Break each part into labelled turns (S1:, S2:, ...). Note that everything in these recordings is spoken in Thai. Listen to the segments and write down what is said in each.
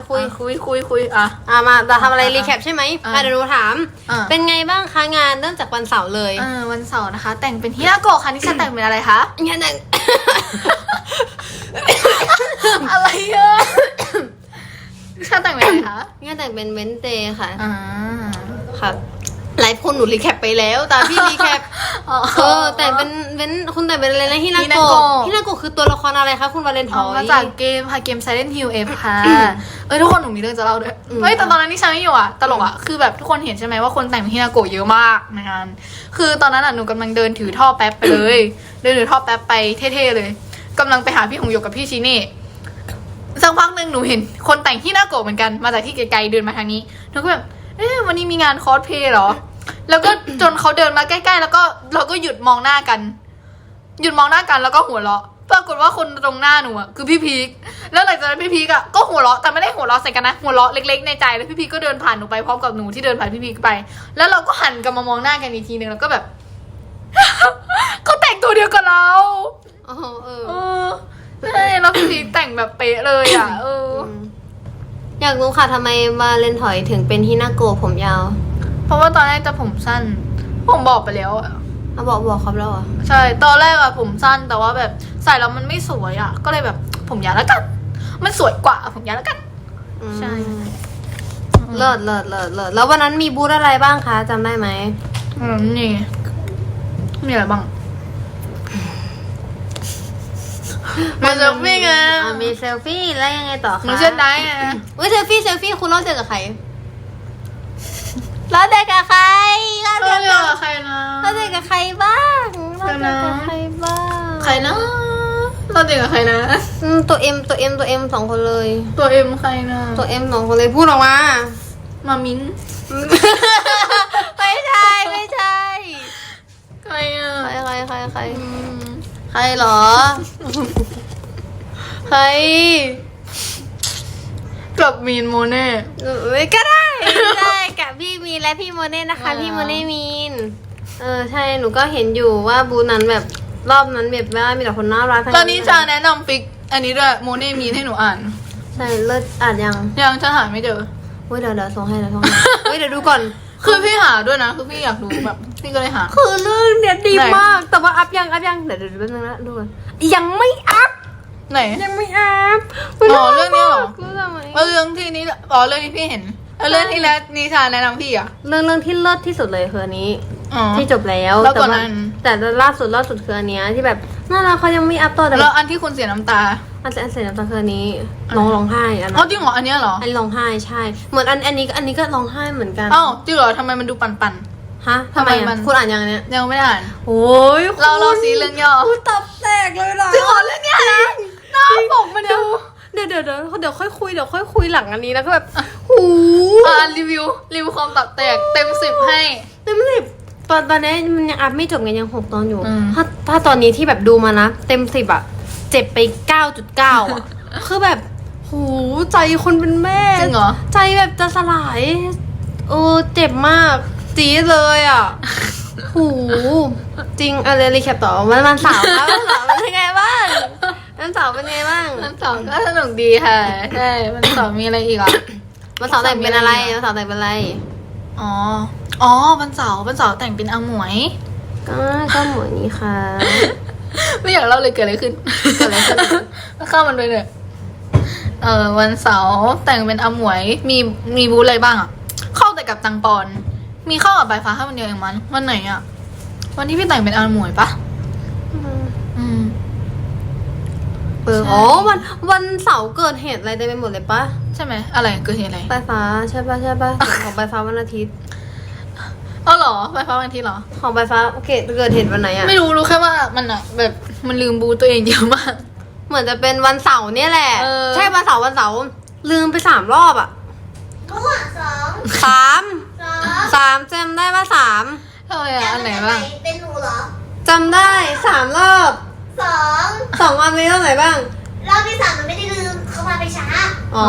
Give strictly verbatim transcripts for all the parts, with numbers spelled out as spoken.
S1: คุย
S2: คุยคุยคุยอ่ะ
S1: อ่ะมาเราทำอะไรรีแคปใช่ไหมอ่ะเดี๋ยวหนูถาม
S2: อ่ะ
S1: เป็นไงบ้างคะงานเริ่มจากวันเสาร์เลย
S2: เออวันเสาร์นะคะ แต่งเป็นฮินาโกะค่ะนิชาแต่งเป็นอะไรคะ
S1: งานแต่ง
S2: อะไรเอ่ะนิชาแต่งเป็นอะไรคะ
S1: งานแต่งเป็นเวนเตค่ะ
S2: อ่า
S1: ครับหลายคนหนูรีแคปไปแล้วแต่พี่รีแคป
S2: อ๋อ
S1: เออแต่งเป็นเว้นคุณแต่งเป็นอะไรนะฮินา
S2: ฮินา
S1: โกะ
S2: โกะ
S1: ฮินาโกะคือตัวละครอะไรคะคุณวาเลนท
S2: เอา
S1: อย
S2: มาจากเกมค่ะเกม Silent Hill F ค่ะ เอ้ยทุกคนหนูมีเรื่องจะเล่าด้วย
S1: อืม
S2: เฮ้ยแต่ตอนนั้นนิชาไม่อยู่อ่ะตลกอ่ะคือแบบทุกคนเห็นใช่ไหมว่าคนแต่งเป็นฮินาโกะเยอะมากในงานคือตอนนั้นอ่ะหนูกำลังเดินถือท่อแป๊บไปเลย เดินถือท่อแป๊บไปเท่ๆเลยกำลังไปหาพี่หงหยกกับพี่ชิเน่สักพักหนึ่งหนูเห็นคนแต่งฮินาโกะเหมือนกันมาจากที่ไกลๆเดินมาทางนี้หนูก็แบบเอ๊ะวันนี้มีงานคอสเพลย์เหรอแล้วก็จนเขาเดินมาใกล้ๆแล้วก็เราก็หยุดมองหน้ากัน หยุดมองหน้ากันแล้วก็หัวเราะปรากฏว่าคนตรงหน้าหนูอ่ะคือพี่พีคแล้วหลังจากนั้นพี่พีคอ่ะก็หัวเราะแต่ไม่ได้หัวเราะใส่กันนะหัวเราะเล็กๆในใจแล้วพี่พีคก็เดินผ่านหนูไปพร้อมกับหนูที่เดินผ่านพี่พีคไป แล้วเราก็หันกลับมามองหน้ากันอีกทีนึงแล้วก็แบบ เขาแต่งตัวเดียวกับเรา
S1: อ๋อเออ
S2: เออใช่แล้วพี่พีคแต่งแบบเป๊ะเลยอ่ะเออ
S1: มอยากรู้ค่ะทำไมวาเลนทอยถึงเป็นฮินาโกะผมยาว
S2: เพราะว่าตอนแรกจะผมสั้น ผมบอกไปแล้วอ่ะ
S1: เอาบอกบอกครับแล้วเหรอ่ะ
S2: ใช่ ตอนแรกอะผมสั้นแต่ว่าแบบใส่แล้วมันไม่สวยอะก็เลยแบบผมยาวแล้วกัน มันสวยกว่าผมยาวแล้วกัน ใช่
S1: เลิศเลิศเลิศเลิศแล้ววันนั้นมีบูธอะไรบ้างคะจำได้ไหม
S2: อืมนี่มีอะไรบ้างมาเซลฟี่ไง
S1: อ่ะมีเซลฟี่แล้วยังไงต่อคะ
S2: หนูเชื่อได้อะ
S1: เว้ยเซลฟี่เซลฟี่คุณเล่าเจอกับใครเล่าเจอกับใครเล่า
S2: เอ
S1: เจ
S2: อ
S1: อ
S2: เจ
S1: กั
S2: อบ กับใครนะ
S1: เล่าเจอกับใครบ้างเล่าเจอกับใครบ้าง
S2: ใครนะเราเจอกับใครนะ
S1: อืมตัวเอ็มตัวเอ็มตัวเอ็มสองคนเลย
S2: ตัวเอ็มใครนะ
S1: ตัวเอ็มสองคนเลยพูดออกมา
S2: มามิ้น
S1: ไม่ใช่ไม่ใช่
S2: ใครอะ
S1: ใครใครใครใคร
S2: อืม
S1: ใครเหรอ ใคร
S2: กับมีนโมเน่
S1: ไม่ก็ได้ได้กับพี่มีนและพี่โมเน่นะคะ
S2: อ่า
S1: พี่โมเน่มีนเออใช่หนูก็เห็นอยู่ว่าบูธนั้นแบบรอบนั้นแบบว่ามีแต่คนน่ารักทั้ง
S2: ตอนนี้จะแนะนำฟิก อันนี้ด้วยโมเน่มีนให้หนูอ่าน
S1: ใช่เลิศอ่านยัง
S2: ยังจะหาไม่เจอ
S1: เฮ้ยเดี๋ยวเดี๋ยวส่งให้เดี๋ยวส่งให้เฮ้ยเดี๋ยวดูก่อน
S2: คือพี่หาด้วยนะ คือพี่อยากดูแบบ พี่ก็เลยหา
S1: คือเรื่องเนี้ยดี
S2: ไหน
S1: มาก แต่ว่าอัพยังอัพยังเดี๋ยวเดี๋ยวแป๊บนึงนะดูก่อนยังไม่อัพ
S2: ไหน
S1: ยังไม่อัพ
S2: อ๋อเรื่องนี้เหรอ
S1: เรื่องอะไร
S2: เออเรื่องที่นี้อ๋อเรื่องที่พี่เห็นเออเรื่องที่แล้วนิชาแนะนำพี่อ่ะ
S1: เรื่องเรื่องที่เลิศที่สุดเลยคืออันนี้
S2: อ๋อ
S1: ที่จบแล้ว
S2: แล้วก่อน
S1: ต่า
S2: นั้น
S1: แต่ล่าสุดล่าสุดคืออันเนี้ยที่แบบน่ารักเขายังไม่อัพต่อแต่
S2: แล้วอันที่คุณเสียน้ำตา
S1: อันอันเสร็จแล้วตอนคืออันนี้ร้องร้องไห้อัน
S2: อ๋อ
S1: นั้น
S2: จริงเหรออันเนี้ยเหรอ
S1: อันนี้ร้องไห้ใช่ เหมือนอันอันนี้ก็อันนี้ก็ร้องไห้เหมือนกัน
S2: อ้าวจริงเหรอทำไมมันดูปันปัน
S1: ฮะทำไม
S2: ทำไมมั
S1: อ่ะ
S2: น
S1: คุณอ่านยังอันเนี้ย
S2: ๆยังไม่ได้อ่าน
S1: โอ้ย
S2: เราเราซีเรื่องย่อ
S1: คุณตับแตกเลยเหรอ
S2: จริงเหรอเรื่องเนี้ยนะหน้าปกมันดู
S1: เดี๋ยวเดี๋ยวเดี๋ยวเดี๋ยวค่อยคุยเดี๋ยวค่อยคุยหลังอันนี้แล้วก็แบบหู
S2: อ่านรีวิวรีวิวความตับแตกเต็มสิบให้
S1: เต็มสิบตอนตอนนี้มันยังอัพไม่จบไงยังหกตอนอยู่
S2: อืม
S1: ถ้าถ้าตอนนี้ที่แบบดูมานะ เต็มสิบอะเจ็บไปเก้าจุดเก้าอะ คือแบบหูใจคนเป็นแม่
S2: จริงเหรอ
S1: ใจแบบจะสลายเออเจ็บมากจี๊ดเลยอ่ะ หูจริงอะไรรีแคปต่อวันวันเสาร์ครับวันเสาร์เป็นยังไงบ้างวันเสาร์เป็นยังไงบ้าง
S2: มันสองก็สนุกดีค่ะใช่มันสองมีอะไรอีกอ่ะ
S1: วันเสาร์แต่งเป็นอะไรวันเสาร์แต่งเป็นอะไร
S2: อ๋อ อ๋อวันเสาร์วันเสาร์แต่งเป็นอาหมวย
S1: ก็ก็เหมือนนี้ค่ะ
S2: ไม่อยากเล่าเลยเกิดอะไรขึ้น
S1: เกิดอะไรขึ้น
S2: เข้ามันไปเลยเออวันเสาร์แต่งเป็นอาหมวย มีมีบูธอะไรบ้างอ่ะ เข้าแต่กับตังปอน มีเข้ากับใบฟ้าแค่วันเดียวเองมัน วันไหนอ่ะ วันที่พี่แต่งเป็นอาหมวยปะอืม
S1: เอออ๋อวันวันเสาร์เกิดเหตุอะไรเต็มไปหมดเลยปะ
S2: ใช่ไหมอะไรเกิดเหตุอะไร
S1: ปลายฟ้าใช่ปะใช่ปะของปลายฟ้าวันอาทิตย์
S2: อ๋อเหรอใบฟ้าวันอาที่เหรอ
S1: ของปลายฟ้าเกิดเกิดเหตุวันไหนอะ
S2: ไม่รู้รู้แค่ว่ามันอ่ะ แบบมันลืมบูธตัวเองเยอะมาก
S1: เหมือนจะเป็นวันเสาร์เนี่ยแหละ
S2: เออ
S1: ใช่วันเสาร์วันเสาร์ลืมไปสามรอบอะ
S3: มั่วสอง
S1: สาม
S3: สอง
S1: สามจำได้ว่าสาม
S2: ทำไมอ่ะอันไหนบ้าง
S3: เป็นหนูเหรอ
S1: จำได้สามรอบ
S3: สอง
S1: สองวันมีเรื่องไหนบ้าง
S3: รอบที่สามมันไม่ได้ลืมเขามาไปช้า
S1: อ๋อ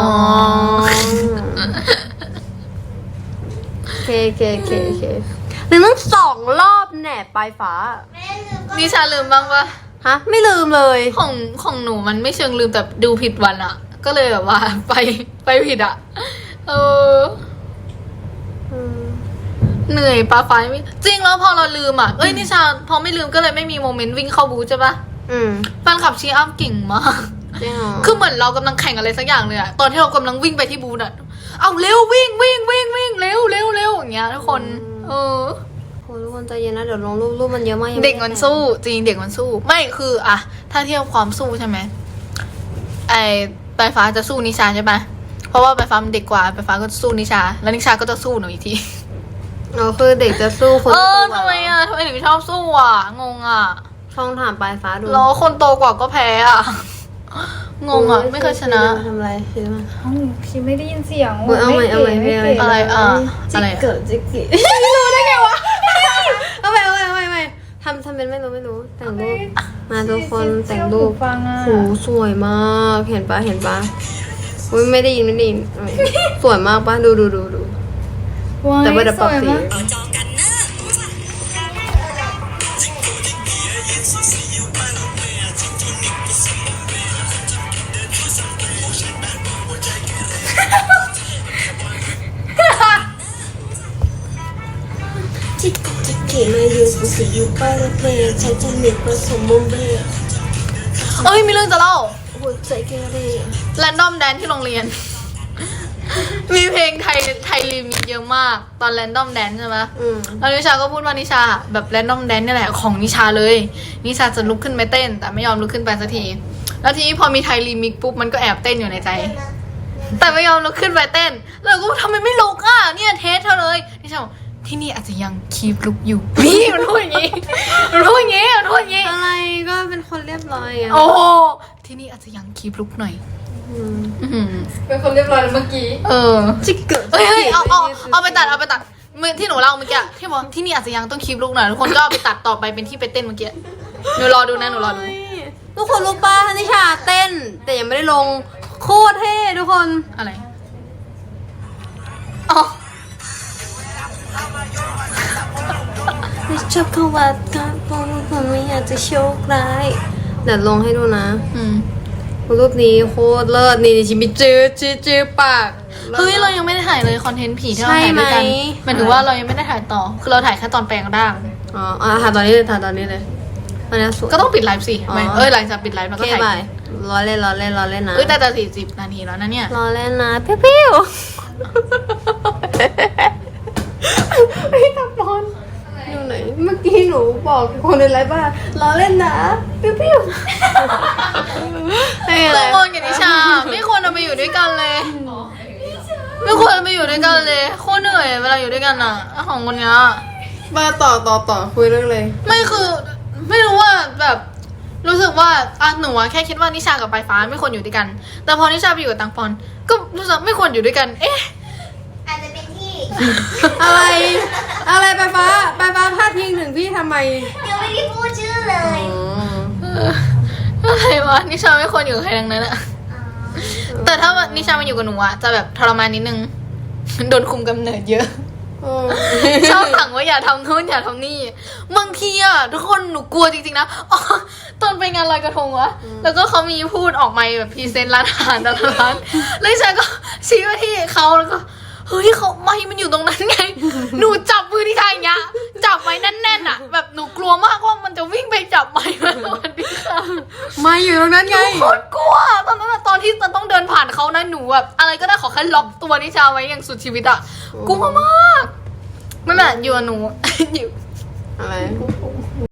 S1: โอเคโอเคโอเคโอเคลืมตั้งสองรอบแหน่ปลายฟ้า
S3: ไม่ได้ลืมก็
S2: นิชาลืมบ้างปะ
S1: ฮะ ไม่ลืมเลย
S2: ของของหนูมันไม่เชิงลืมแต่ดูผิดวันอะก็เลยแบบว่า ไปไปผิดอ่ะ เออ
S1: อืม
S2: เหนื่อยปลาไฟไม่จริงแล้วพอเราลืมอ่ะเอ้ยนิชาพอไม่ลืมก็เลยไม่มีโมเมนต์วิ่งเข้าบูธใช่ปะ
S1: อืม
S2: แฟนคลับเชียร์อัพเก่งมาก
S1: จริงเหรอ
S2: คือเหมือนเรากำลังแข่งอะไรสักอย่างเลยอะตอนที่เรากำลังวิ่งไปที่บูธอะเอาเร็ววิ่งวิ่งวิ่งวิ่งเร็วเร็วเร็วอย่างเงี้ยทุกคน เออ
S1: โหทุกคนใจเย็นนะเดี๋ยวลงรูปรูปมันเยอะมากยังไ
S2: เด็กมันสู้จริงเด็กมันสู้ ไม่คืออะถ้าเทียบความสู้ใช่ไหมไอปลายฟ้าจะสู้นิชาใช่ปะเพราะว่าปลายฟ้ามันเด็กกว่าปลายฟ้าก็จะสู้นิชา แล้วนิชาก็จะสู้หนูอีกที
S1: อ๋อคือเด็กจะสู้คน
S2: เออ
S1: โตกว่า
S2: ทำไมอะทำไมถึงชอบสู้อะงงอะ
S1: ช่องถามปลายฟ้าดู
S2: แล้วคนโตกว่าก็แพ้อะงงอะไม่เคยชนะ
S1: ทำอะไรคิดว่า
S4: เอ้าพี่ไม่ได้ยินเสียง
S1: เออเอาใหม่เอาใหม่
S4: ไม่
S1: เอาใหม่
S4: เก๋
S2: อะไรอ่ะ
S1: จิ
S2: อะไร
S1: ก
S2: อะ
S1: เกิดจิกกิรู้ได้ไงวะเอาไปเอาไปเอาไปเอาไปทำทำเป็นไม่รู้ไม่รู้แต่งรูปมาทุกคนแต่งรูป
S4: ฟังอ่ะ
S1: โหสวยมากเห็นปะเห็นปะอุ้ยไม่ได้ยินไม่ได้ยินเอาใหม่สวยมากปะดูดูดูดู
S4: ว้าย
S1: แต่ว่าเดี๋ยวปรับสี
S4: สวยมาก
S1: จิกจิกกิมาอยู่กูสิอยู่ไปแล้วเพลงใช้จมิตผสมมุมเบร
S2: เอ้ยมีเรื่องจะเล่า
S1: หัวใจเกเร
S2: แรนดอมแดนที่โรงเรียน มีเพลงไทยไทยรีมิกซ์เยอะมาก ตอนแรนดอมแดนใช่ไหม
S1: อืม
S2: แล้วนิชาก็พูดว่านิชาแบบแรนดอมแดนนี่แหละของนิชาเลย นิชาจะลุกขึ้นไปเต้น แต่ไม่ยอมลุกขึ้นไปสักที แล้วทีนี้พอมีไทยรีมิกซ์ปุ๊บมันก็แอบเต้นอยู่ในใจ แต่ไม่ยอมลุกขึ้นไปเต้น แล้วก็ทำไมไม่ลุกอ่ะเนี่ยเทสเธอเลยนิชาบอกที่นี่อาจจะยังคีบลุกอยู่ นี่มันพูดอย่างงี้มันพูดอย่างงี้มันพูดอย่างงี้
S1: อะไรก็เป็นคนเรียบร้อยอ่ะ
S2: โอ้ที่นี่อาจจะยังคีบลุกหน่อย
S1: อืม
S2: อื้อหือ
S4: เป็นคนเรียบร้อยแล้วเมื่อกี้
S2: เออ
S1: จิกเกิด
S2: เฮ้ยเฮ้ยเอาเอาเอาไปตัดเอาไปตัดเมื่อที่หนูเล่าเมื่อกี้ที่บอกที่นี่อาจจะยังต้องคลิปลูกหน่อยทุกคนก็เอาไปตัดต่อไปเป็นที่ไปเต้นเมื่อกี้หนูรอดูนะหนูรอดู
S1: ทุกคนรู้ป่ะนิชาเต้น แต่ยังไม่ได้ลงโคตรเท่ทุกคน
S2: อะไรอ๋อ
S1: ชอบเขาว่าการปองคนไม่อยากจะโชคร้ายเดี๋ยวลงให้ดูนะ
S2: อืม
S1: รูปนี้โคตรเลิศนี่ชิมิจื้อจื้อจื้อปาก
S2: เฮ้ยเรายังไม่ได้ถ่ายเลยคอนเทนต์ผีที่เราถ่ายด้วยกัน
S1: ใช่ไหม
S2: หมายถึงว่าเรายังไม่ได้ถ่ายต่อ คือเราถ่ายแค่ตอนแปลงร่าง
S1: อ๋ออ่ะถ่ายตอนนี้เลยถ่ายตอนนี้เลยตอนนี้สวย
S2: ก็ต้องปิดไลฟ์สิ
S1: อ๋อ
S2: ไม่เอ้ยหลังจากปิดไลฟ์เรา
S1: โอ
S2: ก็
S1: เค
S2: ถ่าย
S1: บายรอเล่นรอเล่นรอเล่นนะ
S2: เอ้ยแต่แต่สี่สิบนาทีแล้วนะเนี่ย
S1: รอเล่นนะเพี้ยวเพี้ยวพี่ตะบอลอยู่ไหนเมื่อกี้หนูบอกคนในไลฟ์ว่ารอเล่นนะเพี้ยวเพี้ยวไม่อะไร
S2: ตัวมนกับนิชาไม่ควรเอาไปอยู่ด้วยกันเลยไม่ควรเอาไปอยู่ด้วยกันเลยโคตรเหนื่อยเวลาอยู่ด้วยกันอ่ะของคนเนี้ย
S1: มาต่อต่อต่อคุยเรื่องเลย
S2: ไม่คือไม่รู้ว่าแบบรู้สึกว่าอ่ะหนูอะแค่คิดว่านิชากับปลายฟ้าไม่ควรอยู่ด้วยกัน แต่พอนิชาไปอยู่กับตังปอน ก็รู้สึกไม่ควรอยู่ด้วยกัน เอ๊ะ
S3: อาจจะเป็นที่
S1: อะไร อะไรปลายฟ้าปลายฟ้าพาดพิงถึงพี่ทำไม
S3: ยังไม่ได้พูดชื่อเลย
S2: อะไรวะนิชาไม่ควรอยู่กับใครทั้งนั้นอะ
S3: อ๋อ
S2: แต่ถ้านิชามาอยู่กับหนูอะจะแบบทรมานนิดนึง โดนคุมกำเนิดเยอะ ชอบสั่งว่าอย่าทำนู่นอย่าทำนี่บางทีอะทุกคนหนูกลัวจริงๆนะอ๋อตอนไปงานลอยกระทงวะแล้วก็เขามีพูดออกมาแบบพรีเซนต์ร้านอาหารแต่ละร้านแล้วฉันก็ชี้ไปที่เขาแล้วก็เฮ้ยเขาไม่มันอยู่ตรงนั้นไง หนูจับมือที่ชายอย่างเงี้ยจับไว้แน่นๆอะแบบหนูกลัวมากว่ามันจะวิ่งไปจับไม้มาสวัสดีค่ะ
S1: มาอยู่ตรงนั้นไง
S2: โคตรกลัวตอนนั้นอะตอนที่ต้องเดินผ่านเขานะหนูแบบอะไรก็ได้ขอแค่ล็อกตัวนิชาไว้อย่างสุดชีวิตอะกลัวมากนั่นแหละอยู่กับหนู อยู่
S1: อะไร